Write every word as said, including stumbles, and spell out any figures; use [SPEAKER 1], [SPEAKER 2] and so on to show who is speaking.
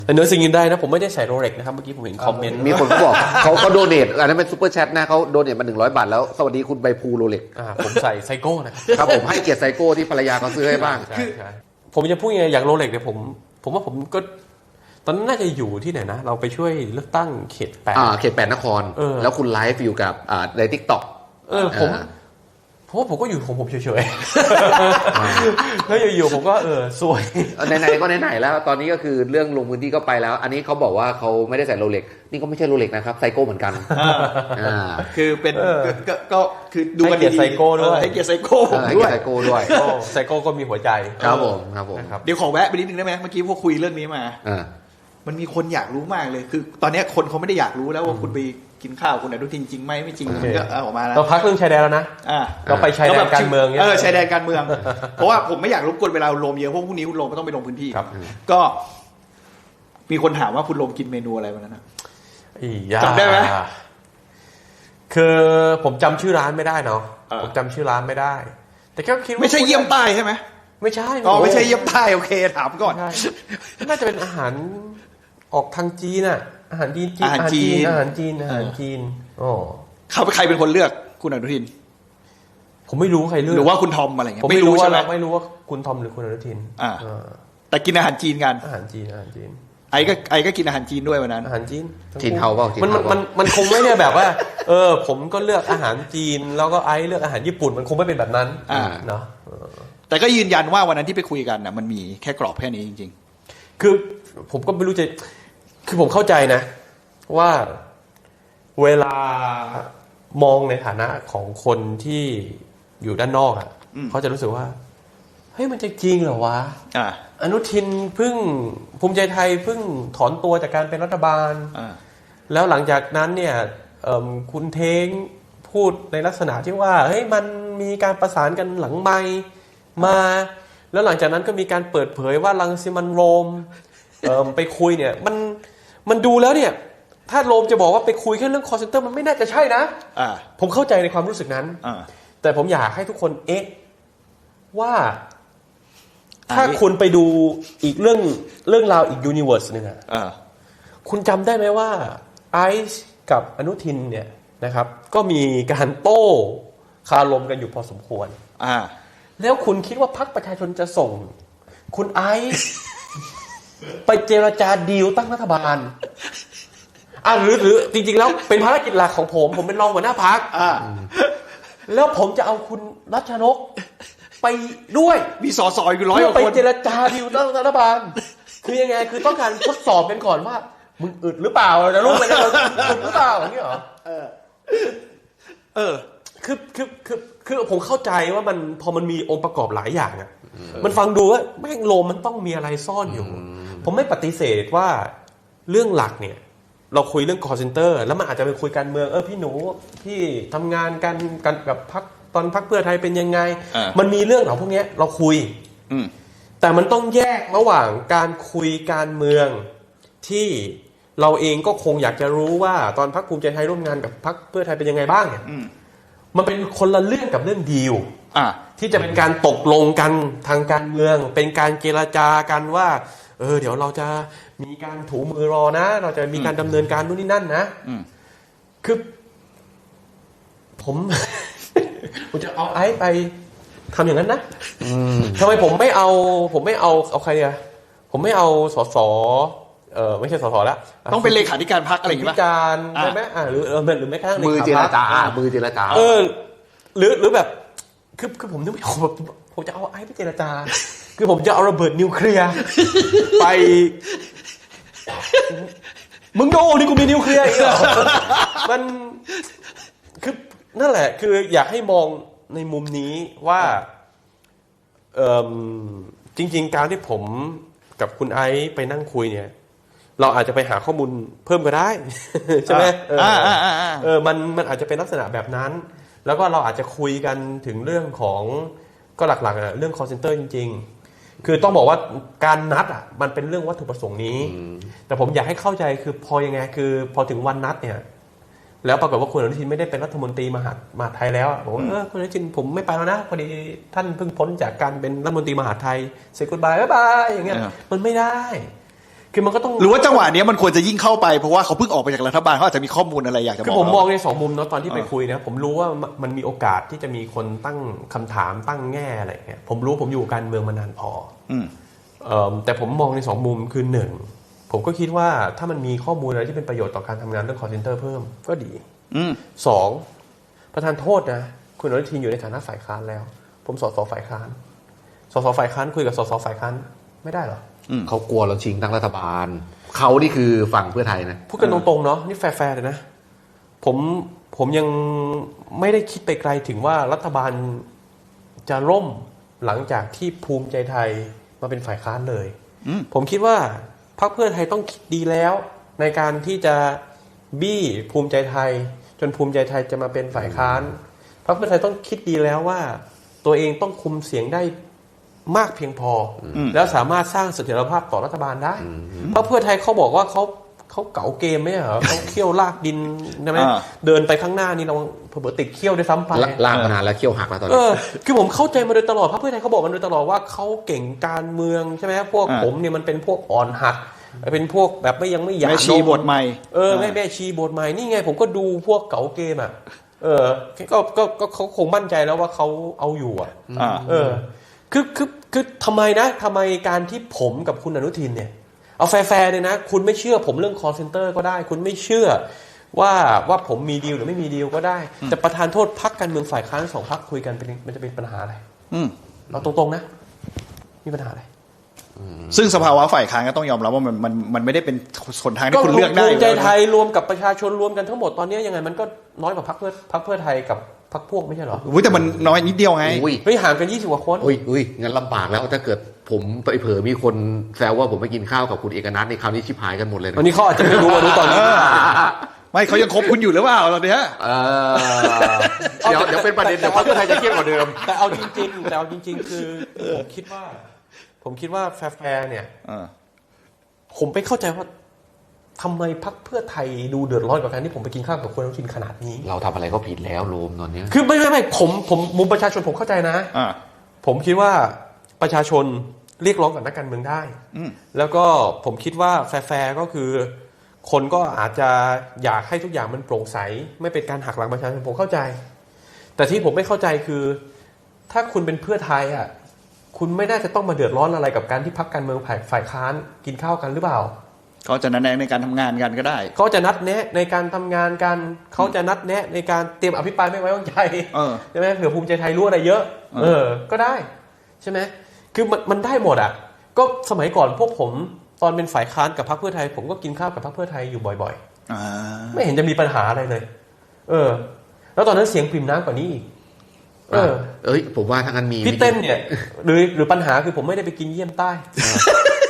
[SPEAKER 1] เนื้อสิ่งยินได้นะผมไม่ได้ใส่โรเล็กนะครับเมื่อกี้ผมเห็นคอมเมนต์
[SPEAKER 2] มีคนเขาบอกเขาเขาโดเนทอันนั้นเป็นซุปเปอร์แชทนะเขาโดเนทมาหนึ่งร้อยบาทแล้วสวัสดีคุณใบพูโรเล็ก
[SPEAKER 1] ผมใส่ไซโก้นะครับ
[SPEAKER 2] ผมให้เกียรติไซโก้ที่ภรรยาเขาซื้อให้บ้าง
[SPEAKER 1] ผมจะพูดยังไงอย่างโรเล็กเนี่ยผมผมว่าผมก็ตอนนั้นน่าจะอยู่ที่ไหนนะเราไปช่วยเลือกตั้งเขตแปด
[SPEAKER 2] อ่าเขตแปดนครแล้วคุณไลฟ์อยู่กับอ่าในทิกต็อก
[SPEAKER 1] เออผมเพราะว่าผมก็อยู่ของผมเฉยๆแล้วอยู่ๆผมก็เออสวย
[SPEAKER 2] ไหนๆก็ไหนๆแล้วตอนนี้ก็คือเรื่องลงพื้นที่ก็ไปแล้วอันนี้เขาบอกว่าเขาไม่ได้ใส่โรเล็กนี่ก็ไม่ใช่โรเล็กนะครับไซโก้เหมือนกัน
[SPEAKER 3] คือเป็นก็คือดูกันดีๆ
[SPEAKER 1] ไซโก้ด้วย
[SPEAKER 3] ให้เกียรติไซโก้
[SPEAKER 2] ด้วยไซโก้ด้วย
[SPEAKER 1] ไซโก้ก็มีหัวใจ
[SPEAKER 2] ครับผมครับผม
[SPEAKER 3] เดี๋ยวขอแวะไปนิดนึงได้ไหมเมื่อกี้พวกคุยเรื่องนี้มามันมีคนอยากรู้มากเลยคือตอนนี้คนเขาไม่ได้อยากรู้แล้วว่าคุณไปกินข้าวคุณอนุทินจริงไหมไม่จริงก็ออกมาแล้ว
[SPEAKER 1] เราพักเรื่องชายแดนแล้วนะเราไปชายแดนการเมือง
[SPEAKER 3] เออชายแดนการเมืองเพราะว่าผมไม่อยากรบกวนเวลาลมเยอะเพราะพรุ่งนี้คุณลมก็ต้องไปลงพื้นที่ก็มีคนถามว่าคุณลมกินเมนูอะไรวันนั้นจำได้ไหม
[SPEAKER 1] คือผมจำชื่อร้านไม่ได้เนาะผมจำชื่อร้านไม่ได้แต่ก็คิดว่า
[SPEAKER 3] ไม่ใช่เยี่ยมใต้ใช่ไหม
[SPEAKER 1] ไม่ใช่
[SPEAKER 3] อ๋อไม่ใช่เยี่ยมใต้โอเคถามก่อน
[SPEAKER 1] น่าจะเป็นอาหารออกทางจีนอ่ะอาหารจีน
[SPEAKER 3] อาหารจีน
[SPEAKER 1] อาหารจีนอาหารจีนอ๋อ
[SPEAKER 3] เขาใครเป็นคนเลือกคุณอนุทิน
[SPEAKER 1] ผมไม่รู้ใครเลือก
[SPEAKER 3] หรือว่าคุณทอมอะไรเงี้ย
[SPEAKER 1] ผมไม่รู้ใช่ไหมไม่รู้ว่าคุณทอมหรือคุณอนุทิน
[SPEAKER 3] อ่าแต่กินอาหารจีนกัน
[SPEAKER 1] อาหารจีนอาหารจีน
[SPEAKER 3] ไอ้ก็ไอ้ก็กินอาหารจีนด้วยวันนั้น
[SPEAKER 1] อาหารจีน
[SPEAKER 2] จีนเทาเปล่า
[SPEAKER 1] มันมันมันคงไม่ได้แบบว่าเออผมก็เลือกอาหารจีนแล้วก็ไอ้เลือกอาหารญี่ปุ่นมันคงไม่เป็นแบบนั้นเนาะ
[SPEAKER 3] แต่ก็ยืนยันว่าวันนั้นที่ไปคุยกันน่ะมันมีแค่กรอบแค่นี้จริง
[SPEAKER 1] ๆคือผมก็ไม่รู้จะคือผมเข้าใจนะว่าเวลามองในฐานะของคนที่อยู่ด้านนอกอ่ะเขาจะรู้สึกว่าเฮ้ยมันจะจริงเหรอวะอ่าอนุทินเพิ่งภูมิใจไทยเพิ่งถอนตัวจากการเป็นรัฐบาลอ่าแล้วหลังจากนั้นเนี่ยคุณเท้งพูดในลักษณะที่ว่าเฮ้ยมันมีการประสานกันหลังไมค์มาแล้วหลังจากนั้นก็มีการเปิดเผยว่ารังสิมันโรมไปคุยเนี่ยมันมันดูแล้วเนี่ยถ้าโรมจะบอกว่าไปคุยแค่เรื่อง call center มันไม่น่าจะใช่นะผมเข้าใจในความรู้สึกนั้นแต่ผมอยากให้ทุกคนเอ๊ะว่าถ้าคุณไปดูอีกเรื่องเรื่องราวอีกยูนิเวอร์สนึงอ่ะคุณจำได้ไหมว่าไอซ์กับอนุทินเนี่ยนะครับก็มีการโต้คารมกันอยู่พอสมควรแล้วคุณคิดว่าพรรคประชาชนจะส่งคุณไอซ์ไปเจรจาดีลตั้งรัฐบาลอ่ะหรือหรือจริงๆแล้วเป็นภารกิจหลักของผมผมเป็นรองหัวหน้าพรรคแล้วผมจะเอาคุณรัชนกไปด้วย
[SPEAKER 3] มีสสอยู่ร้อยกว่าคน
[SPEAKER 1] ไปเจรจาดีลตั้งรัฐบาลคือยังไงคือต้องการทดสอบกันก่อนว่ามึงอึดหรือเปล่าจะรู้ไหมเนี่ยอึดหรือเปล่าอย่างนี้เหรอเออเออคือคือคือคือผมเข้าใจว่ามันพอมันมีองค์ประกอบหลายอย่างอ่ะมันฟังดูว่าแม่งโลมมันต้องมีอะไรซ่อนอยู่ผมไม่ปฏิเสธว่าเรื่องหลักเนี่ยเราคุยเรื่อง call center แล้วมันอาจจะไปคุยการเมืองเออพี่หนูพี่ทำงานกันกันกับพรรคตอนพรรคเพื่อไทยเป็นยังไงมันมีเรื่องเหล่าพวกนี้เราคุยแต่มันต้องแยกระหว่างการคุยการเมืองที่เราเองก็คงอยากจะรู้ว่าตอนพรรคภูมิใจไทยร่วมงานกับพรรคเพื่อไทยเป็นยังไงบ้างเนี่ยมันเป็นคนละเรื่องกับเรื่องดีลที่จะเป็นการตกลงกันทางการเมืองเป็นการเจรจากันว่าเออเดี๋ยวเราจะมีการถูมือรอนะเราจะมีการดำเนินการนู่นนี่นั่นนะคือผม ผมจะเอาไอ้ไปทำอย่างนั้นนะทำไมผมไม่เอาผมไม่เอาเอาใครเนี่ยผมไม่เอาสสเออไม่ใช่สสแล้ว
[SPEAKER 3] ต้องเป็นเลขาธิการพรรคอะไรอย่างเงี้ย
[SPEAKER 1] เลขาธิการใช่ไหมอ่าหรือหรือไม่กระทั่ง
[SPEAKER 2] มือเจรจามือเจรจา
[SPEAKER 1] เออหรือหรือแบบคือคือผมนึกไม่ออกแบบผมจะเอาไอ้ไปเจรจาคือผมจะเอาระเบิดนิวเคลียร์ไปมึงโดนี่กูมีนิวเคลียร์อีกเหรอมันคือนั่นแหละคืออยากให้มองในมุมนี้ว่าเออจริงๆการที่ผมกับคุณไอซ์ไปนั่งคุยเนี่ยเราอาจจะไปหาข้อมูลเพิ่มก็ได้ใช่ไหมเออเออมันมันอาจจะเป็นลักษณะแบบนั้นแล้วก็เราอาจจะคุยกันถึงเรื่องของก็หลักๆอะเรื่อง call center จริงๆคือต้องบอกว่าการนัดอ่ะมันเป็นเรื่องวัตถุประสงค์นี้แต่ผมอยากให้เข้าใจคือพอยังไงคือพอถึงวันนัดเนี่ยแล้วปรากฏว่าคุณอนุทินไม่ได้เป็นรัฐมนตรีมหาดมหาดไทยแล้วบอกว่าเออคุณอนุทินผมไม่ไปแล้วนะพอดีท่านเพิ่งพ้นจากการเป็นรัฐมนตรีมหาดไทยเซกุดบายบ๊ายบายอย่างเงี้ยมันไม่ได้คือมันก็ต้อง
[SPEAKER 3] หรือว่าจังหวะนี้มันควรจะยิ่งเข้าไปเพราะว่าเขาเพิ่งออกไปจากรัฐบาลเขาอาจจะมีข้อมูลอะไรอยากจะบอก
[SPEAKER 1] คือผมมองในสองมุมเนาะตอนที่ไปคุยนะผมรู้ว่ามันมีโอกาสที่จะมีคนตั้งคำถามตั้งแง่อะไรเงี้ยผมรู้ผมอยู่การเมืองมานานพอ
[SPEAKER 3] อืม
[SPEAKER 1] เอ่อแต่ผมมองในสองมุมคือหนึ่งผมก็คิดว่าถ้ามันมีข้อมูลอะไรที่เป็นประโยชน์ต่อการทำงานเรื่อง call center เพิ่มก็ดีสองประธานโทษนะคุณอนุทินอยู่ในฐานะฝ่ายค้านแล้วผมสสฝ่ายค้านสสฝ่ายค้านคุยกับสสฝ่ายค้านไม่ได้เหรอ
[SPEAKER 2] เขากลัวเราชิงตั้งรัฐบาลเขานี่คือฝั่งเพื่อไทยนะ
[SPEAKER 1] พูดกันตรงๆเนาะนี่แฟร์ๆเลยนะผมผมยังไม่ได้คิดไปไกลถึงว่ารัฐบาลจะล่มหลังจากที่ภูมิใจไทยมาเป็นฝ่ายค้านเลยผมคิดว่าพรรคเพื่อไทยต้องคิดดีแล้วในการที่จะบี้ภูมิใจไทยจนภูมิใจไทยจะมาเป็นฝ่ายค้านพรรคเพื่อไทยต้องคิดดีแล้วว่าตัวเองต้องคุมเสียงได้มากเพียงพอแล้วสามารถสร้างเสถียรภาพต่อรัฐบาลได้เพราะเพื่อไทยเขาบอกว่าเขาเขาเก๋าเกมไหมเหรอเขาเขี้ยวลากดินใช่ไหมเดินไปข้างหน้านี่เราเผื่อติดเขี้ยวได้ซ้ำไป
[SPEAKER 2] ลากมานานแล้วเขี้ยวหักแล้วตอนนี้
[SPEAKER 1] เออคือผมเข้าใจมาโดยตลอดพรรคเพื่อไทยเขาบอกมาโดยตลอดว่าเขาเก่งการเมืองใช่ไหมพวกผมเนี่ยมันเป็นพวกอ่อนหัดเป็นพวกแบบไม่ยังไม่หยาบ
[SPEAKER 3] แม่ชีบทใหม่
[SPEAKER 1] เออแม่แม่ชีบทใหม่นี่ไงผมก็ดูพวกเก๋าเกมอ่ะเออก็ก็ก็เขาคงมั่นใจแล้วว่าเขาเอาอยู่อ่ะเออคือคือคือทำไมนะทำไมการที่ผมกับคุณอนุทินเนี่ยเอาแฟร์ๆเลยนะคุณไม่เชื่อผมเรื่อง call center ก็ได้คุณไม่เชื่อว่าว่าผมมีดีลหรือไม่มีดีลก็ได้แต่ประธานโทษพรรคการเมืองฝ่ายค้านสองพรรคคุยกันเป็นมันจะเป็นปัญหาอะไรเราตรงๆนะมีปัญหาอะไร
[SPEAKER 3] ซึ่งสภาวะฝ่ายค้านก็ต้องยอมรับว่ามันมันมันไม่ได้เป็นหนทางที่คุณเลือกได้
[SPEAKER 1] ภูมิใจไทยรวมกับประชาชนรวมกันทั้งหมดตอนนี้ยังไงมันก็น้อยกว่าพรรคเพื่อพรรคเพื่อไทยกับพรรคพวกไม่ใช่หรอ
[SPEAKER 3] อุ้ยแต่มันน้อยนิดเดียวไง
[SPEAKER 1] เฮ้ยห่างกันยี่สิบกว่าคน
[SPEAKER 2] อุ้ยอุ้ยงั้นลำบากแล้วถ้าเกิดผมไปเผลอมีคนแซวว่าผมไปกินข้าวกับคุณเอกนัทในคราวนี้ชิบหายกันหมดเลย
[SPEAKER 1] วันนี้เขาอาจจะไม่รู้ว่ารู้ตอนนี้
[SPEAKER 3] ไม่เขายังคบคุณอยู่หรือเปล่าตอนนี้
[SPEAKER 2] เดี๋ยวเดี๋ยวเป็นประเด็นเดี๋ยวพรรคเพื่อไทยจะเครียดกว่าเดิม
[SPEAKER 1] แต่เอาจริงๆแต่เอาจริงๆคือผมคิดว่าผมคิดว่าแฟร์ๆเนี่ยผมไปเข้าใจว่าทำไมพรรคเพื่อไทยดูเดือดร้อนกับการที่ผมไปกินข้าวกับคุณอนุทินขนาดนี้
[SPEAKER 2] เราทำอะไรก็ผิดแล้วโรมตอนนี้
[SPEAKER 1] คือไม่ไม่ไม่ผมผมมุมประชาชนผมเข้าใจนะผมคิดว่าประชาชนเรียกร้องกับนักการเมืองได้แล้วก็ผมคิดว่าแฟร์ๆก็คือคนก็อาจจะอยากให้ทุกอย่างมันโปร่งใสไม่เป็นการหักหลังประชาชนผมเข้าใจแต่ที่ผมไม่เข้าใจคือถ้าคุณเป็นเพื่อไทยอ่ะคุณไม่น่าจะต้องมาเดือดร้อนอะไรกับการที่พรรคการเมืองฝ่ายฝ่ายค้านกินข้าวกันหรือเปล่า
[SPEAKER 3] เขาจะนัดแนะในการทำงานกันก็ได้
[SPEAKER 1] เขาจะนัดแนะในการทำงานกันเขาจะนัดแนะในการเตรียมอภิปรายไม่ไว้วางใจใช่ไหมเผื่อภูมิใจไทยรู้อะไรเยอะเออก็ได้ใช่ไหมคือมันมันได้หมดอ่ะก็สมัยก่อนพวกผมตอนเป็นฝ่ายค้านกับพรรคเพื่อไทยผมก็กินข้าวกับพรรคเพื่อไทยอยู่บ่อยๆไม่เห็นจะมีปัญหาอะไรเลยเออแล้วตอนนั้นเสียงปริ่มน้ำกว่านี้อีก
[SPEAKER 2] เออเอ้ยผมว่าถ้างั้นมี
[SPEAKER 1] พี่เต้นเนี่ยหรือหรือปัญหาคือผมไม่ได้ไปกินเยี่ยมใต้